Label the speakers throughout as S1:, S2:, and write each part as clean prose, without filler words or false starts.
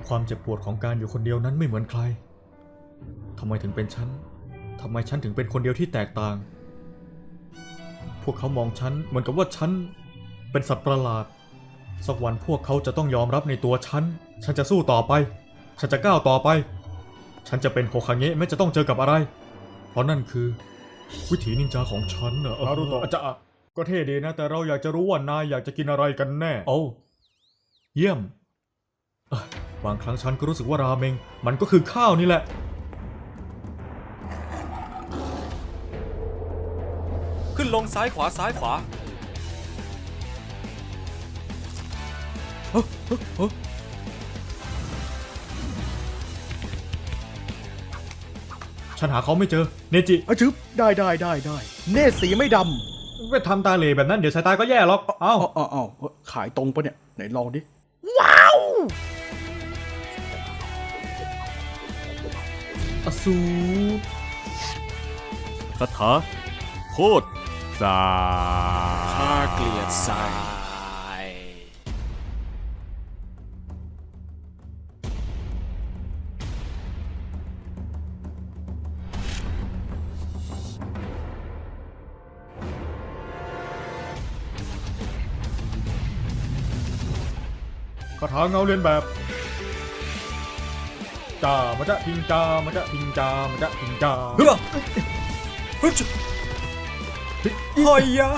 S1: ความเจ็บปวดของการอยู่คนเดียวนั้นไม่เหมือนใครทำไมถึงเป็นฉันทำไมฉันถึงเป็นคนเดียวที่แตกต่างพวกเขามองฉันเหมือนกับว่าฉันเป็นสัตว์ประหลาดสักวันพวกเขาจะต้องยอมรับในตัวฉันจะสู้ต่อไปฉันจะก้าวต่อไปฉันจะเป็นโฮคาเงะแม้จะต้องเจอกับอะไรเพราะนั่นคือวิถีนินจาของฉันนารุโตะจะก็เท่ดีนะแต่เราอยากจะรู้ว่านายอยากจะกินอะไรกันแน่โอ้เยี่ยมบางครั้งฉันก็รู้สึกว่าราเมงมันก็คือข้าวนี่แหละ
S2: ขึ้นลงซ้ายขวาซ้ายขวา
S1: ฉันหาเขาไม่เจอเนจิ
S3: ชึบได้เนตสีไม่ด
S1: ไปทำตาเหล่แบบนั้นเดี๋ยวสายตาก็แย่หรอกเอ้า
S3: ำอ้าวขายตรงปะเนี่ยไหนลองดิ
S1: อสู
S4: คาถาโคตรสา
S2: ข้าเกลียดทราย
S1: คาถาเงาเรียนแบบจ่ามาจะพิงจ่ามาจะพิงจ่ามาจะพิงจ่า
S2: เฮ้ยเฮ้ยหอยยะ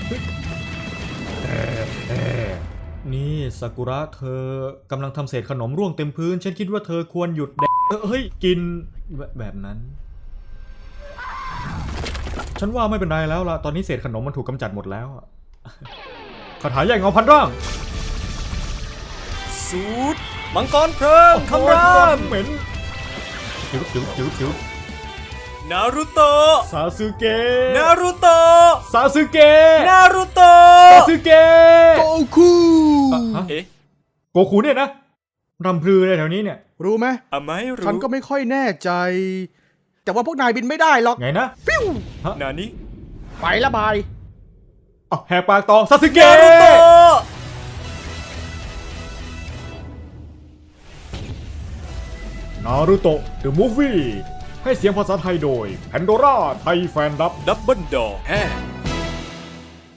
S1: นี่ซากุระเธอกำลังทำเศษขนมร่วงเต็มพื้นฉันคิดว่าเธอควรหยุดแดกเฮ้ยกินแบบนั้นฉันว่าไม่เป็นไรแล้วล่ะตอนนี้เศษขนมมันถูกกำจัดหมดแล้วคาถาแยกเงาพันร่าง
S2: สูตรมังกรเพลิงคำราม
S1: เหม็นจิ๋ว
S2: นารุโตะ
S1: ซาสึเกะ
S2: นารุโตะ
S1: ซาสึเกะ
S2: นารุโต
S1: ซา
S2: ะ
S1: สึเกะ
S3: โกคู
S2: เอ๊ะ
S1: โกคูเนี่ยนะรำพลือเลยแถวนี้เนี่ย
S3: รู้ไหม
S2: ไม่รู้
S3: ฉันก็ไม่ค่อยแน่ใจ แต่ว่าพวกนายบินไม่ได้หรอก
S1: ไงนะ
S3: ปิ้ว
S2: นานิ
S3: ไปละบาย
S1: แหกปากต่อซาสึเกะ
S2: นารุโตะ
S1: นารูโตะ The Movie ให้เสียงภาษาไทยโดย Pandora ไทยแฟนรับ
S2: ดับเบิลดอร์